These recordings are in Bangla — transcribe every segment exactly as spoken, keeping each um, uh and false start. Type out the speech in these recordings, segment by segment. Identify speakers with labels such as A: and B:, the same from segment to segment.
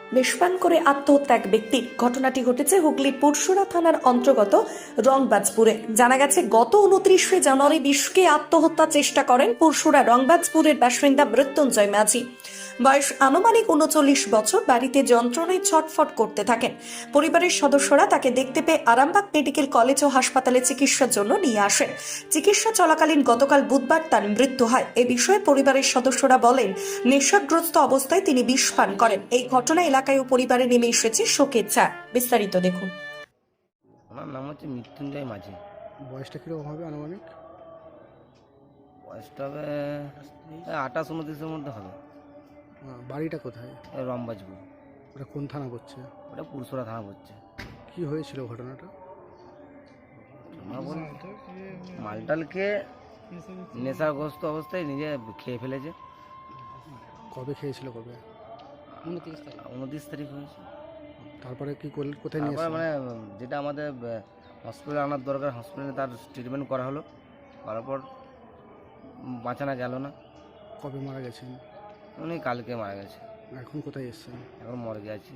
A: বিষপান করে আত্মহত্যা এক ব্যক্তির। ঘটনাটি ঘটেছে হুগলির পুরসুরা থানার অন্তর্গত রংবাজপুরে। জানা গেছে গত উনত্রিশে জানুয়ারি বিষকে আত্মহত্যা চেষ্টা করেন পুরসুরা রংবাজপুরের বাসিন্দা মৃত্যুঞ্জয় মাঝি। বয়স আনুমানিক উনচল্লিশ বছর। বাড়িতে যন্ত্রণায় ছটফট করতে থাকেন। পরিবারের সদস্যরা তাকে দেখতে পেয়ে আরামবাগ মেডিকেল কলেজ ও হাসপাতালে চিকিৎসার জন্য নিয়ে আসেন। চিকিৎসা চলাকালীন গতকাল বুধবার তার মৃত্যু হয়। এ বিষয়ে পরিবারের সদস্যরা বলেন, নেশাগ্রস্ত অবস্থায় তিনি বিষ পান করেন। এই ঘটনা এলাকায় ও পরিবারে নেমে এসেছে শোকের ছায়া। বিস্তারিত দেখুন।
B: আমার নাম হচ্ছে মৃত্যুঞ্জয় মাঝি।
C: বয়সটা কীরকম হবে আনুমানিক?
B: বয়সটা হবে আঠাশ উনত্রিশের মধ্যে হবে।
C: আহ, বাড়িটা কোথায়?
B: রংবাজপুর।
C: ওটা কোন থানা পড়ছে?
B: ওটা পুরসুরা থানা পড়ছে।
C: কি হয়েছিল ঘটনাটা?
B: আমার বলতে মালটালকে নেশাগ্রস্ত অবস্থায় নিজে খেয়ে ফেলেছে।
C: কবে খেয়েছিল? কবে?
B: উনত্রিশ তারিখ উনত্রিশ তারিখ হয়েছে।
C: তারপরে কি করল? কোথায় নিয়ে
B: তারপরে
C: এসেছিল?
B: মানে যেটা আমাদের হসপিটালে আনার দরকার, হসপিটালে তার ট্রিটমেন্ট করা হলো, করার পর বাঁচানো গেল না।
C: কবে মারা গেছেন?
B: উনি কালকে মারা গেছে।
C: এখন কোথায় এসেছেন?
B: এখন মর্গে আছি।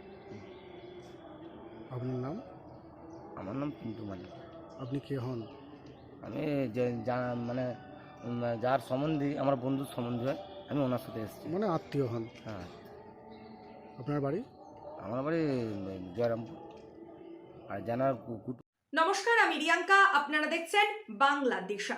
C: আপনার নাম?
B: আমার নাম পিন্টু মালিক।
C: আপনি কে হন?
B: আমি যে যা মানে উম, যার সম্বন্ধী আমার বন্ধুর সম্বন্ধী হয়, আমি ওনার সাথে এসেছি।
C: মানে আত্মীয় হন?
B: হ্যাঁ।
C: আপনার বাড়ি?
B: আমার বাড়ি জয়রামপুর। আর জানার কুকুর।
A: নমস্কার, আমি রিয়াঙ্কা। আপনারা দেখছেন বাংলাদেশ।